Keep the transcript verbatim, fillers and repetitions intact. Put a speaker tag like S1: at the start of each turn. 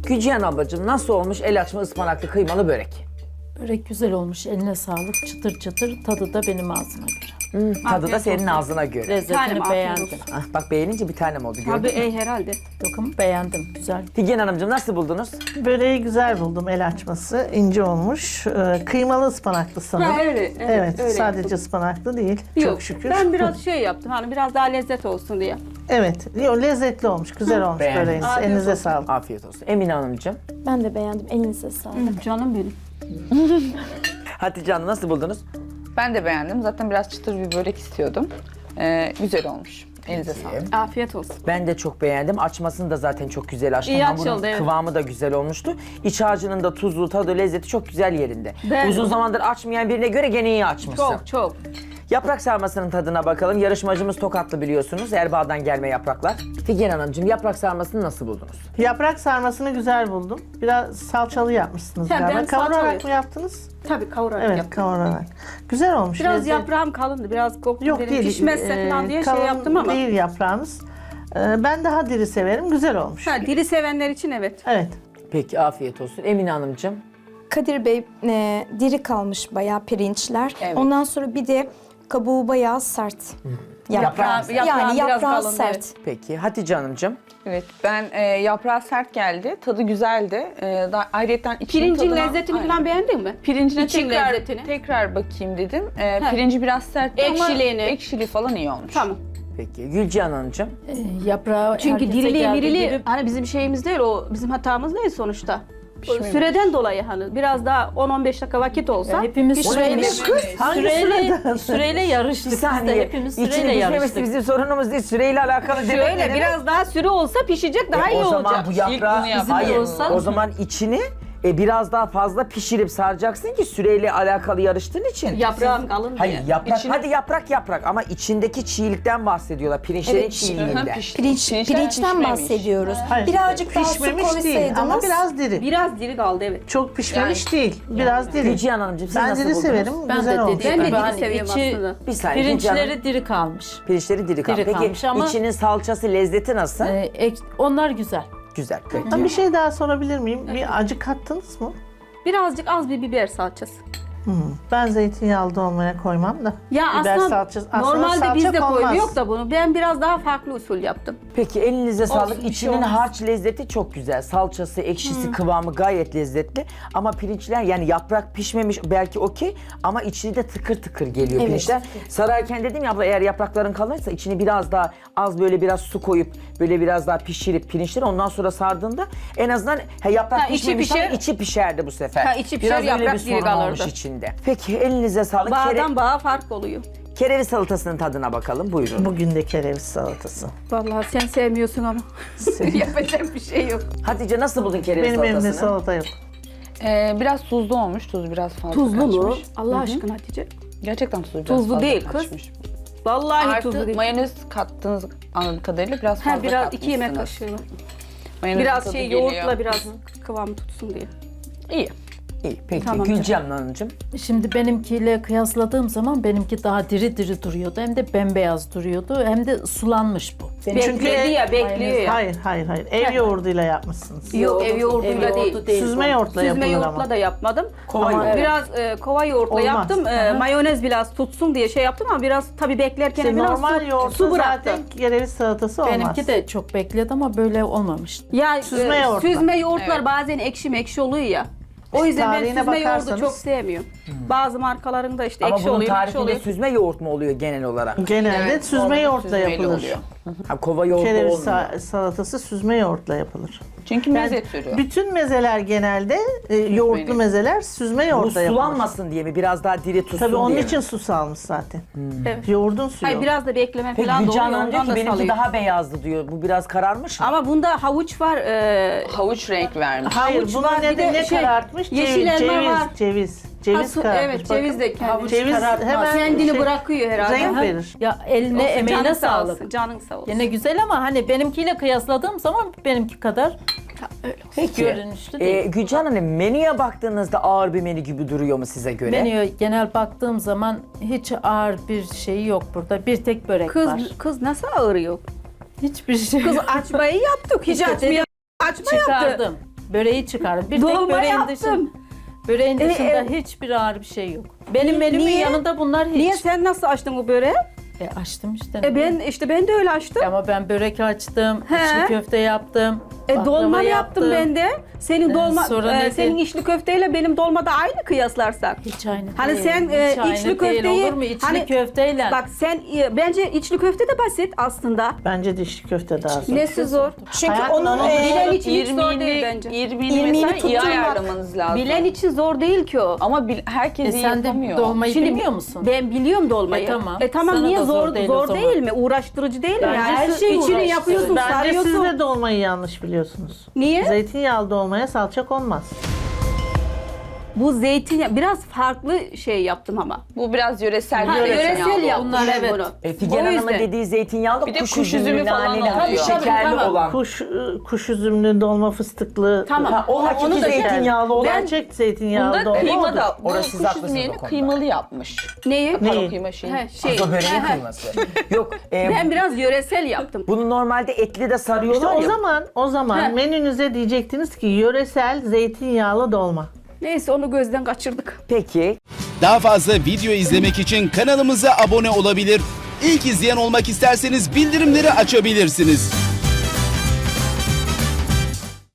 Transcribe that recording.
S1: Gülcihan ablacığım nasıl olmuş el açma ıspanaklı kıymalı börek?
S2: Börek güzel olmuş. Eline sağlık. Çıtır çıtır. Tadı da benim ağzıma göre.
S1: Hmm, tadı da senin
S3: olsun.
S1: ağzına göre.
S2: Lezzetini
S3: Tanem, afiyet
S2: beğendim.
S3: olsun.
S1: Ah, bak beğenince bir tanem oldu gördün
S3: Tabii
S1: mü?
S3: ey herhalde.
S2: Dokum beğendim. Güzel.
S1: Figen Hanımcığım nasıl buldunuz?
S4: Böreği güzel buldum, el açması. İnce olmuş. Ee, kıymalı ıspanaklı sanırım.
S3: Ha, öyle, evet,
S4: Evet,
S3: öyle
S4: sadece
S3: yaptım.
S4: ıspanaklı değil.
S3: Yok,
S4: Çok şükür.
S3: ben biraz şey yaptım hani biraz daha lezzet olsun diye.
S4: Evet, yo, lezzetli olmuş, güzel olmuş
S1: Beğendim.
S4: böreğiniz.
S3: Afiyet
S4: Elinize
S3: olsun.
S4: sağlık.
S1: Afiyet olsun. Emine Hanımcığım.
S5: Ben de beğendim. Elinize sağlık.
S3: Hı, canım benim.
S1: Hatice Hanım nasıl buldunuz?
S6: Ben de beğendim. Zaten biraz çıtır bir börek istiyordum. Ee, güzel olmuş. Elinize sağlık.
S3: Afiyet olsun.
S1: Ben de çok beğendim. Açmasını da zaten çok güzel açtım.
S3: İyi
S1: Hamurun
S3: açıldı, evet.
S1: kıvamı da güzel olmuştu. İç harcının da tuzlu, tadı, lezzeti çok güzel yerinde.
S3: Ben-
S1: Uzun zamandır açmayan birine göre gene iyi açmışsın.
S3: Çok çok.
S1: Yaprak sarmasının tadına bakalım. Yarışmacımız Tokatlı biliyorsunuz. Erbaa'dan gelme yapraklar. Figen Hanımcığım yaprak sarmasını nasıl buldunuz?
S4: Yaprak sarmasını güzel buldum. Biraz salçalı yapmışsınız
S3: He,
S4: galiba.
S3: ben
S4: Kavurarak
S3: salçalı-
S4: mı yaptınız?
S3: Tabii kavurarak
S4: Evet,
S3: yaptım.
S4: kavurarak. Güzel olmuş.
S3: Biraz
S4: lezzet-
S3: yaprağım kalındı, biraz koktu
S4: Yok
S3: dedim.
S4: değil.
S3: Pişmezse
S4: e,
S3: falan diye şey
S4: kalın
S3: yaptım ama.
S4: değil yaprağınız. Ee, ben daha diri severim, güzel olmuş.
S3: Ha, diri sevenler için evet.
S4: Evet.
S1: Peki afiyet olsun. Emine Hanımcığım.
S5: Kadir Bey e, diri kalmış bayağı pirinçler.
S6: Evet.
S5: Ondan sonra bir de kabuğu bayağı sert.
S1: Yaprağı-
S3: yaprağı
S5: yani
S3: biraz
S5: yaprağı
S3: kalın,
S5: sert.
S3: evet.
S1: Peki Hatice Hanımcığım.
S6: Evet, ben e, yaprağı sert geldi. Tadı güzeldi. E, da, ayrıyeten içinin
S3: Pirincin
S6: tadına-
S3: lezzetini
S6: Aynen.
S3: falan beğendin mi?
S6: Pirincine
S3: İçin
S6: tekrar,
S3: lezzetini.
S6: tekrar bakayım dedim. E,
S3: Heh.
S6: pirinci biraz sert ama
S3: Ekşiliğini.
S6: ekşili falan iyi olmuş.
S3: Tamam.
S1: Peki Gülcihan Hanımcığım.
S2: Ee, yaprağı
S3: Çünkü
S2: herkese
S3: dirili
S2: geldiği
S3: mirili
S2: gibi
S3: hani bizim şeyimiz değil, o bizim hatamız değil sonuçta.
S6: Pişmemiş.
S3: Süreden dolayı hani biraz daha on on beş dakika vakit olsa.
S2: hepimiz
S3: pişmemiş.
S2: süreyle,
S4: Hangi
S2: süreyle, süreyle yarıştık.
S1: Bir
S2: Biz de
S1: saniye.
S2: hepimiz
S1: İçini
S2: süreyle
S1: pişmemesi
S2: yarıştık.
S1: bizim sorunumuz değil. Süreyle alakalı demek ne
S3: Şöyle
S1: demek?
S3: biraz daha süre olsa pişecek, daha
S1: E,
S3: iyi
S1: o zaman
S3: olacak.
S1: bu yaprağı,
S6: bunu yapalım.
S1: hayır,
S2: olsa-
S1: o zaman içini e, biraz daha fazla pişirip saracaksın ki süreyle alakalı yarıştığın için.
S3: Yaprağım kalın diye.
S1: Hayır yaprak,
S6: İçini-
S1: hadi yaprak yaprak ama içindeki çiğlikten bahsediyorlar. Pirinçlerin
S5: Evet,
S1: çiğliğinden.
S6: Aha, piş-
S5: Pirinç,
S6: pirinçler
S5: pirinçten
S6: pişmemiş.
S5: bahsediyoruz.
S4: Hayır,
S5: Birazcık daha su
S4: pişmemiş değil
S5: koysaydınız.
S4: ama biraz diri.
S3: Biraz diri kaldı evet.
S4: Çok pişmemiş değil, biraz diri.
S1: Gülcihan Hanımcığım siz
S4: Ben
S1: nasıl
S4: diri
S1: buldunuz?
S4: severim,
S2: Ben
S4: güzel
S2: de
S4: olmuş.
S2: dediğim
S3: Ben de
S2: gibi
S3: diri
S2: hani
S3: seviyorum
S2: içi,
S3: aslında.
S1: Bir saniye Gülcihan Hanım.
S2: pirinçleri diri kalmış.
S1: Pirinçleri diri kalmış.
S2: Diri
S1: Peki
S2: kalmış ama-
S1: içinin salçası, lezzeti nasıl?
S2: Ee, ek- onlar güzel.
S1: Güzel. Peki.
S4: Ben bir şey daha sorabilir miyim? Bir acı kattınız mı?
S3: Birazcık az bir biber salçası.
S4: Hmm. Ben zeytinyağlı dolmaya koymam da.
S3: Ya
S4: Biber
S3: aslında
S4: salçası- aslında
S3: normalde
S4: salça
S3: biz de
S4: konmaz.
S3: koymuyor da bunu. Ben biraz daha farklı usul yaptım.
S1: Peki elinize sağlık.
S3: bir şey
S1: İçinin
S3: olmaz.
S1: harç lezzeti çok güzel. Salçası, ekşisi, kıvamı gayet lezzetli. Ama pirinçler yani yaprak pişmemiş belki okey ama içi de tıkır tıkır geliyor
S5: Evet.
S1: pirinçler. Sararken dedim ya abla eğer yaprakların kalırsa içini biraz daha az böyle biraz su koyup böyle biraz daha pişirip pirinçleri ondan sonra sardığında en azından he, yaprak
S3: Ha, içi
S1: pişmemiş ama
S3: pişer.
S1: içi pişerdi bu sefer.
S3: Ha, içi pişer,
S1: biraz öyle
S3: yaprak
S1: bir
S3: diri
S1: sorun olmuş
S3: kalırdı.
S1: içinde. Peki elinize sağlık. Kere,
S3: Bağdan bağa fark oluyor.
S1: kereviz salatasının tadına bakalım buyurun.
S4: Bugün de kereviz salatası.
S3: Vallahi sen sevmiyorsun ama. Yapacak bir şey yok.
S1: Hatice nasıl buldun kereviz
S4: Benim evimde
S1: salatasını?
S4: salata yok.
S6: E, biraz tuzlu olmuş. Tuz biraz fazla
S3: Tuzlu mu?
S6: kaçmış.
S3: Allah aşkına Hatice.
S6: Gerçekten tuzlu biraz
S3: Tuzlu
S6: fazla
S3: değil kız.
S6: kaçmış.
S3: Vallahi tuzlu
S6: Artı
S3: değil.
S6: mayonez kattığınız anladığım kadarıyla biraz fazla
S3: Ha, biraz iki yemek
S6: katmışsınız.
S3: kaşığı.
S6: Mayonezin
S3: Biraz
S6: tadı
S3: şey
S6: geliyor.
S3: yoğurtla biraz kıvamı tutsun diye.
S6: İyi.
S1: İyi peki
S3: Tamam.
S1: Gülcihan Hanımcığım.
S2: Şimdi benimkiyle kıyasladığım zaman benimki daha diri diri duruyordu. Hem de bembeyaz duruyordu. Hem de sulanmış bu.
S3: Bekledi ya, bekliyor ya.
S4: Hayır, hayır, hayır. Ev yoğurduyla yapmışsınız.
S3: Yok, ev
S2: Ev
S3: yoğurduyla
S2: yoğurdu
S3: değil.
S4: Süzme yoğurtla
S3: Süzme
S4: yapılır
S3: yoğurtla
S4: ama.
S3: da yapmadım.
S1: Kova
S3: ama
S1: yoğurt.
S3: biraz e, kova yoğurtla
S4: Olmaz.
S3: yaptım. E,
S4: Aha.
S3: mayonez biraz tutsun diye şey yaptım ama biraz tabii beklerken
S4: İşte
S3: biraz
S4: normal
S3: su,
S4: yoğurtla
S3: su bıraktım.
S4: zaten kereviz salatası olmaz.
S2: Benimki de çok bekledi ama böyle olmamıştı.
S3: Ya
S4: Süzme
S3: e,
S4: yoğurtla.
S3: süzme yoğurtlar
S6: Evet.
S3: bazen ekşi mekşi oluyor ya. O yüzden ben
S4: Tarihine
S3: süzme yoğurdu
S4: bakarsanız-
S3: çok sevmiyorum. Bazı markalarında işte
S1: Ama
S3: ekşi
S1: bunun
S3: oluyor, ekşi
S1: tarifinde
S3: oluyor.
S1: süzme yoğurt mu oluyor genel olarak?
S4: Genelde
S6: Evet,
S4: süzme
S6: normal
S4: yoğurtla
S6: süzmeyle
S4: yapılır.
S6: oluyor.
S1: Ha, kova yoğurtlu
S4: Kereviz
S1: olmuyor.
S4: sa- salatası süzme yoğurtla yapılır.
S6: Çünkü meze türü.
S4: Bütün mezeler genelde e, yoğurtlu
S6: Benim.
S4: mezeler süzme
S1: Bu
S4: yoğurtla yapılır.
S1: sulanmasın diye mi? Biraz daha diri tutsun
S4: Tabii onun
S1: diye
S4: için
S1: mi?
S4: su salmış zaten.
S3: Evet.
S4: Yoğurdun suyu.
S3: Hayır biraz da bekleme
S1: Peki
S3: falan da
S1: Gülcan
S3: oluyor.
S1: Hanım diyor
S3: Ondan
S1: ki
S3: da
S1: benimki
S3: salıyor.
S1: daha beyazdı diyor. Bu biraz kararmış mı?
S3: Ama bunda havuç var. E,
S6: Havuç renk vermiş.
S4: Hayır,
S3: havuç
S4: bunun
S3: var, bir
S4: nedeni
S3: de
S4: ne
S3: şey,
S4: karartmış?
S3: yeşil
S4: ceviz,
S3: elma
S4: ceviz,
S3: var.
S4: ceviz. Ceviz
S3: Ha, su-
S4: kararmış.
S3: evet,
S4: Bakın.
S3: ceviz de kendi
S4: Ceviz
S2: karartmaz.
S4: hemen
S3: kendini
S4: şey-
S3: bırakıyor herhalde.
S4: renk
S3: Ha?
S4: verir.
S2: Ya eline
S3: Olsun,
S2: emeğine
S3: canın sağ
S2: sağlık.
S3: olsun, canın sağ olsun.
S2: Yine güzel ama hani benimkiyle kıyasladığım zaman benimki kadar
S1: Peki.
S2: görünüşlü
S1: Ee,
S2: değil.
S1: Gülcan Hanım menüye baktığınızda ağır bir menü gibi duruyor mu size göre?
S2: Menüye genel baktığım zaman hiç ağır bir şey yok burada. Bir tek börek
S3: Kız
S2: var.
S3: kız nasıl ağırıyor?
S2: Hiçbir şey
S3: Kız
S2: yok.
S3: açmayı yaptık. Hiç
S2: İşte
S3: açmaya
S2: dedim,
S3: açma yaptı.
S2: Çıkardım. Böreği çıkardım. Bir
S3: Dolma
S2: tek böreğin
S3: yaptım.
S2: dışında, böreğin
S3: E,
S2: dışında
S3: e,
S2: hiçbir ağır bir şey yok. Benim menümün
S3: Niye?
S2: yanında bunlar hiç.
S3: Niye sen nasıl açtın o böreği?
S2: E, açtım işte.
S3: E ben işte ben de öyle açtım.
S2: Ama ben börek açtım,
S3: He.
S2: içli köfte yaptım,
S3: E
S2: baklava
S3: dolma yaptım ben de. Senin
S2: E,
S3: dolma
S2: sonra
S3: e,
S2: nedir?
S3: senin içli köfteyle benim dolma da aynı kıyaslarsak.
S2: Hiç aynı
S3: Hani
S2: değil.
S3: sen, e,
S2: Hiç aynı
S3: içli
S2: değil.
S3: köfteyi-
S2: Olur mu? İçli
S3: hani-
S2: köfteyle.
S3: Bak sen e, bence içli köfte de basit aslında.
S4: Bence dişli köfte daha zor.
S3: Nesi zor?
S5: Çünkü
S4: Hayatım,
S5: onun
S4: onun
S5: e,
S3: bilen için hiç zor
S6: İrmiğini-
S3: değil bence.
S6: İrmiğini
S5: İrmiğini
S6: mesela iyi
S5: tutturmak.
S6: ayarlamanız lazım.
S3: Bilen için zor değil ki o.
S6: Ama bil- herkes
S2: E
S6: iyi
S2: sen de
S6: yapamıyor.
S2: dolmayı
S3: Şimdi
S2: bilmiyor musun?
S3: Ben biliyorum dolmayı.
S2: E tamam.
S3: E tamam
S2: Sana
S3: niye
S2: da
S3: zor
S2: zor değil
S3: zor
S2: o zaman.
S3: değil mi? Uğraştırıcı değil mi?
S4: Bence
S3: Yani her
S4: siz
S3: şeyi içini
S2: uğraştırın.
S3: yapıyorsun,
S4: Bence
S3: sarıyorsun.
S4: siz de dolmayı yanlış biliyorsunuz.
S3: Niye?
S4: Zeytinyağlı dolmaya salça konmaz.
S3: Bu zeytinyağı biraz farklı şey yaptım ama.
S6: Bu biraz yöresel.
S3: Ha,
S6: yöresel
S3: yöresel
S6: yağlı.
S3: yaptım
S2: Bunlar
S3: ben
S2: evet.
S3: bunu.
S1: E, Figen
S3: O
S1: Hanım'ın
S3: yüzden.
S1: dediği zeytinyağlı
S6: Bir de
S1: kuş,
S6: kuş üzümü
S1: üzümlü,
S6: falan
S1: naneli,
S6: oluyor.
S1: hafif
S3: Tabii, tabii,
S1: şekerli
S3: tamam.
S1: olan.
S4: Kuş kuş üzümlü dolma fıstıklı.
S3: Tamam.
S1: Ha, o hakiki
S3: Onu da-
S1: zeytinyağlı olan.
S4: Gerçek zeytinyağlı
S6: Bunda
S4: dolma
S6: kıyma
S4: odur.
S6: da, bu
S1: Orası siz
S6: kuş
S1: haklısınız
S6: üzümlerini
S1: o konuda.
S6: kıymalı yapmış.
S3: Neyi?
S6: Pardon
S4: Neyi?
S6: kıyma şeyi.
S3: He, şey.
S1: Azo böreğin
S3: he, he.
S1: kıyması. Yok, e,
S3: Ben biraz yöresel yaptım.
S1: bunu normalde etli de
S4: İşte
S1: sarıyorlar
S4: o
S1: ya.
S4: zaman o zaman
S3: He.
S4: menünüze diyecektiniz ki yöresel zeytinyağlı dolma.
S3: Neyse onu gözden kaçırdık.
S1: Peki.
S7: Daha fazla video izlemek için kanalımıza abone olabilir. İlk izleyen olmak isterseniz bildirimleri açabilirsiniz.